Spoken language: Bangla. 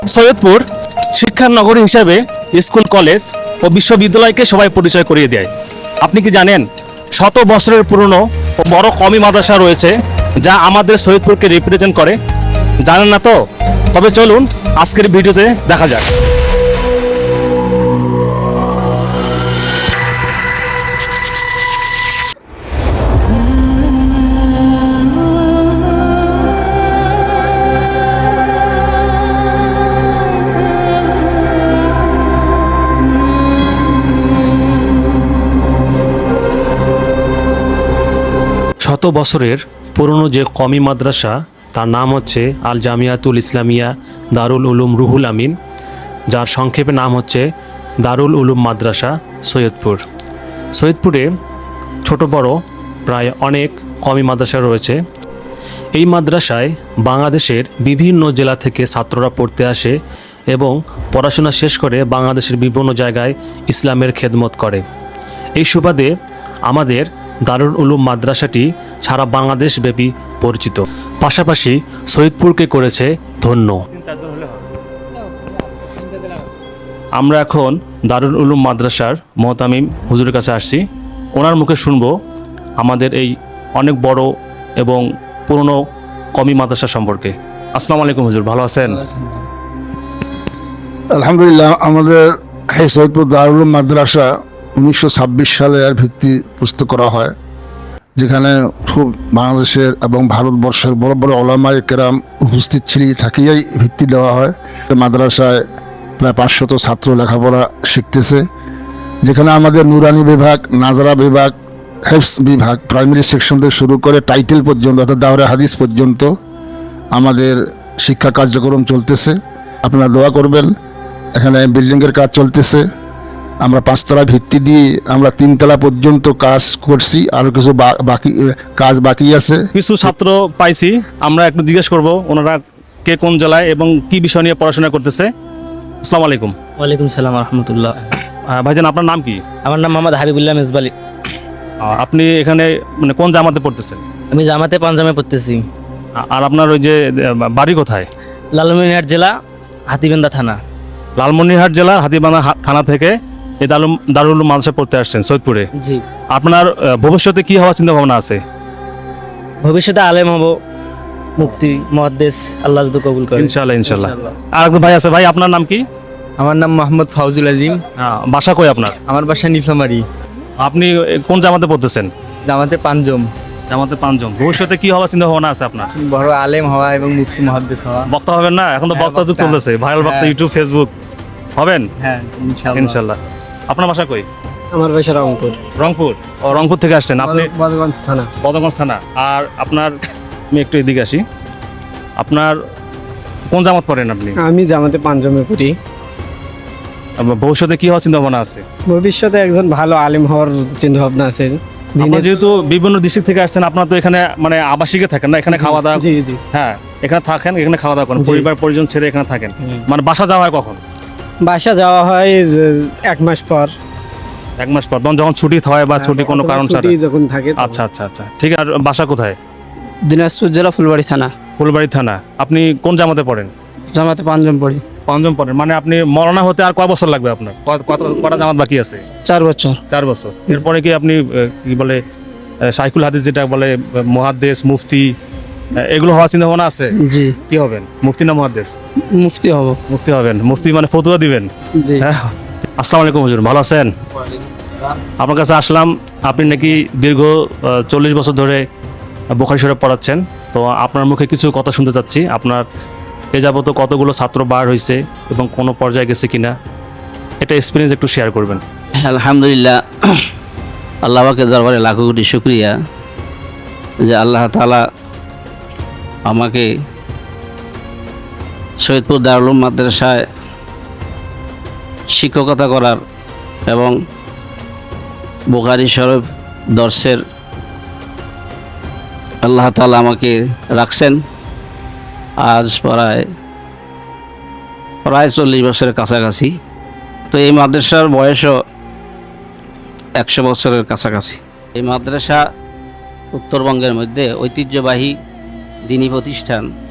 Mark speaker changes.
Speaker 1: সৈয়দপুর শিক্ষার নগরী হিসেবে স্কুল, কলেজ ও বিশ্ববিদ্যালয়কে সবাই পরিচয় করিয়ে দেয়। আপনি কি জানেন শত বছরের পুরনো ও বড় কওমি মাদ্রাসা রয়েছে যা আমাদের সৈয়দপুরকে রিপ্রেজেন্ট করে? জানেন না তো? তবে চলুন আজকের ভিডিওতে দেখা যাক। শত বছরের পুরনো যে কওমি মাদ্রাসা তার নাম হচ্ছে আল জামিয়াতুল ইসলামিয়া দারুল উলুম রুহুল আমিন, যার সংক্ষেপে নাম হচ্ছে দারুল উলুম মাদ্রাসা সৈয়দপুর। সৈয়দপুরে ছোট বড় প্রায় অনেক কওমি মাদ্রাসা রয়েছে। এই মাদ্রাসায় বাংলাদেশের বিভিন্ন জেলা থেকে ছাত্ররা পড়তে আসে এবং পড়াশোনা শেষ করে বাংলাদেশের বিভিন্ন জায়গায় ইসলামের খেদমত করে। এই সুবাদে আমাদের দারুল উলুম মাদ্রাসাটি সারা বাংলাদেশ ব্যাপী পরিচিত, পাশাপাশি সৈয়দপুরকে করেছে ধন্য। আমরা এখন দারুল উলুম মাদ্রাসার মোহতামিম হুজুরের কাছে আসছি। ওনার মুখে শুনবো আমাদের এই অনেক বড় এবং পুরনো কওমি মাদ্রাসা সম্পর্কে। আসসালামু আলাইকুম হুজুর, ভালো আছেন?
Speaker 2: আলহামদুলিল্লাহ। আমাদের এই সৈয়দপুর দারুল উলুম মাদ্রাসা 1926 সালে এর ভিত্তি প্রস্তুত করা হয়, যেখানে খুব বাংলাদেশের এবং ভারতবর্ষের বড় বড় ওলামায়ে কেরাম উপস্থিত থাকিয়াই ভিত্তি দেওয়া হয়। মাদ্রাসায় প্রায় 500 ছাত্র লেখাপড়া শিখতেছে, যেখানে আমাদের নুরানি বিভাগ, নাজরা বিভাগ, হেফস বিভাগ, প্রাইমারি সেকশন থেকে শুরু করে টাইটেল পর্যন্ত অর্থাৎ দাওরা হাদিস পর্যন্ত আমাদের শিক্ষা কার্যক্রম চলতেছে। আপনারা দোয়া করবেন। এখানে বিল্ডিংয়ের কাজ চলতেছে। আমরা 5 তলা ভিত্তি দিয়ে আমরা 3 তলা পর্যন্ত কাজ করছি, আরও কিছু কাজ বাকি আছে।
Speaker 1: কিছু ছাত্র পাইছি, আমরা একটু জিজ্ঞেস করব ওনারা কে কোন জেলায় এবং কি বিষয় নিয়ে পড়াশোনা করতেছে। আসসালামু আলাইকুম।
Speaker 3: ওয়ালাইকুম সালাম রহমতুল্লাহ।
Speaker 1: ভাইজান, আপনার নাম কি?
Speaker 3: আমার নাম মোহাম্মদ হাবিবুল্লাহ মেজবালি।
Speaker 1: আপনি এখানে মানে কোন জামাতে পড়তেছেন?
Speaker 3: আমি জামাতে পাঞ্জামে পড়তেছি।
Speaker 1: আর আপনার ওই যে বাড়ি কোথায়?
Speaker 3: লালমনিরহাট জেলা, হাতিবান্ধা থানা।
Speaker 1: লালমনিরহাট জেলা হাতিবান্ধা থানা থেকে এই দারুল উলুম মাদ্রাসা পড়তে আসছেন সৈয়দপুরে।
Speaker 3: জি।
Speaker 1: আপনার ভবিষ্যতে কি হওয়ার চিন্তা ভাবনা আছে?
Speaker 3: ভবিষ্যতে আলেম হব, মুফতি, মুহাদ্দিস, আল্লাহ যদি কবুল করে।
Speaker 1: ইনশাআল্লাহ ইনশাআল্লাহ। আর একজন ভাই আছে। ভাই, আপনার নাম কি?
Speaker 4: আমার নাম মোহাম্মদ ফাউজুল আজিম।
Speaker 1: বাসা কই আপনার?
Speaker 4: আমার বাসা নীলফামারী।
Speaker 1: আপনি কোন জামাতে পড়তেছেন?
Speaker 4: জামাতে পাঞ্জম।
Speaker 1: জামাতে পাঞ্জম। ভবিষ্যতে কি হওয়ার চিন্তা ভাবনা আছে আপনার?
Speaker 4: বড় আলেম হওয়া এবং মুফতি মুহাদ্দিস হওয়া।
Speaker 1: বক্তা হবেন না? এখন তো
Speaker 4: হ্যাঁ,
Speaker 1: বক্তা যুগ
Speaker 4: বক্তা।
Speaker 1: চলতেছে, ভাইরাল বক্তা,
Speaker 4: হ্যাঁ।
Speaker 1: ইউটিউব, ফেসবুক হবেন
Speaker 4: হ্যাঁ, ইনশাআল্লাহ।
Speaker 1: ইনশাআল্লাহ। আপনার বাসা কই?
Speaker 3: আমার বাসা রংপুর।
Speaker 1: রংপুর। ও, রংপুর থেকে আসছেন আপনি?
Speaker 3: বদগঞ্জ থানা।
Speaker 1: বদগঞ্জ থানা। আর আপনার, আমি একটু এদিকে আসি, আপনার কোন জামাত পড়েন আপনি?
Speaker 5: আমি জামাতে পাঞ্জামে পড়ি।
Speaker 1: ভবিষ্যতে কি হওয়ার চিন্তা ভাবনা আছে?
Speaker 5: ভবিষ্যতে একজন ভালো আলিম হওয়ার চিন্তা ভাবনা আছে।
Speaker 1: আপনার যেহেতু বিভিন্ন ডিস্ট্রিক্ট থেকে আসছেন, আপনার তো এখানে মানে আবাসিকে থাকেন না, এখানে খাওয়া দাওয়া?
Speaker 5: জি জি।
Speaker 1: হ্যাঁ, এখানে থাকেন, এখানে খাওয়া দাওয়া করেন,
Speaker 5: জি।
Speaker 1: পরিবার পরিজন ছেড়ে এখানে থাকেন। মানে বাসা যাওয়া হয় কখন?
Speaker 5: বাসা যাওয়া হয় যে 1 মাস পর।
Speaker 1: 1 মাস পর, যখন ছুটি হয় বা ছুটি কোনো কারণ ছাড়া?
Speaker 5: ছুটি যখন থাকে।
Speaker 1: আচ্ছা আচ্ছা আচ্ছা, ঠিক আছে। আর বাসা কোথায়?
Speaker 3: দিনাজপুর জেলা, ফুলবাড়ি থানা।
Speaker 1: ফুলবাড়ি থানা। আপনি কোন জামাতে পড়েন?
Speaker 3: জামাতে পাঞ্জাম পড়ি।
Speaker 1: পাঞ্জাম পড়েন। মানে আপনি মরনা হতে আর কয় বছর লাগবে আপনার? কটা জামাত বাকি আছে?
Speaker 3: 4 বছর।
Speaker 1: 4 বছর। এরপরে কি আপনি কি বলে শাইখুল হাদিস, যেটা বলে মুহাদ্দিস, মুফতি, এগুলো হওয়ার চিন্তা ভাবনা আছে?
Speaker 3: জি।
Speaker 1: কি হবেন, মুফতি না মুহাদ্দিস?
Speaker 3: মুফতি হব।
Speaker 1: মুফতি হবেন। মুফতি মানে ফতোয়া দিবেন?
Speaker 3: জি।
Speaker 1: হ্যাঁ। আসসালামু আলাইকুম হুজুর, ভালো আছেন? আপনার কাছে আসলাম, আপনি নাকি দীর্ঘ 40 বছর ধরে বুখারী শরীফ পড়াচ্ছেন। তো আপনার মুখে কিছু কথা শুনতে চাচ্ছি। আপনার এ যাবত কতগুলো ছাত্র বার হয়েছে এবং কোনো পর্যায়ে গেছে কিনা, এটা এক্সপিরিয়েন্স একটু শেয়ার করবেন।
Speaker 6: আলহামদুলিল্লাহ, আল্লাহ পাকের দরবারে লাখো কোটি শুকরিয়া যে আল্লাহ তাআলা আমাকে সৈয়দপুর দারুল উলুম মাদ্রাসায় শিক্ষকতা করার এবং বুখারী শরীফ দর্শের আল্লাহ তাআলা আমাকে রাখছেন। আজ প্রায় 40 বছরের কাছাকাছি। তো এই মাদ্রাসার বয়সও 100 বছরের কাছাকাছি। এই মাদ্রাসা উত্তরবঙ্গের মধ্যে ঐতিহ্যবাহী দ্বীনি প্রতিষ্ঠান।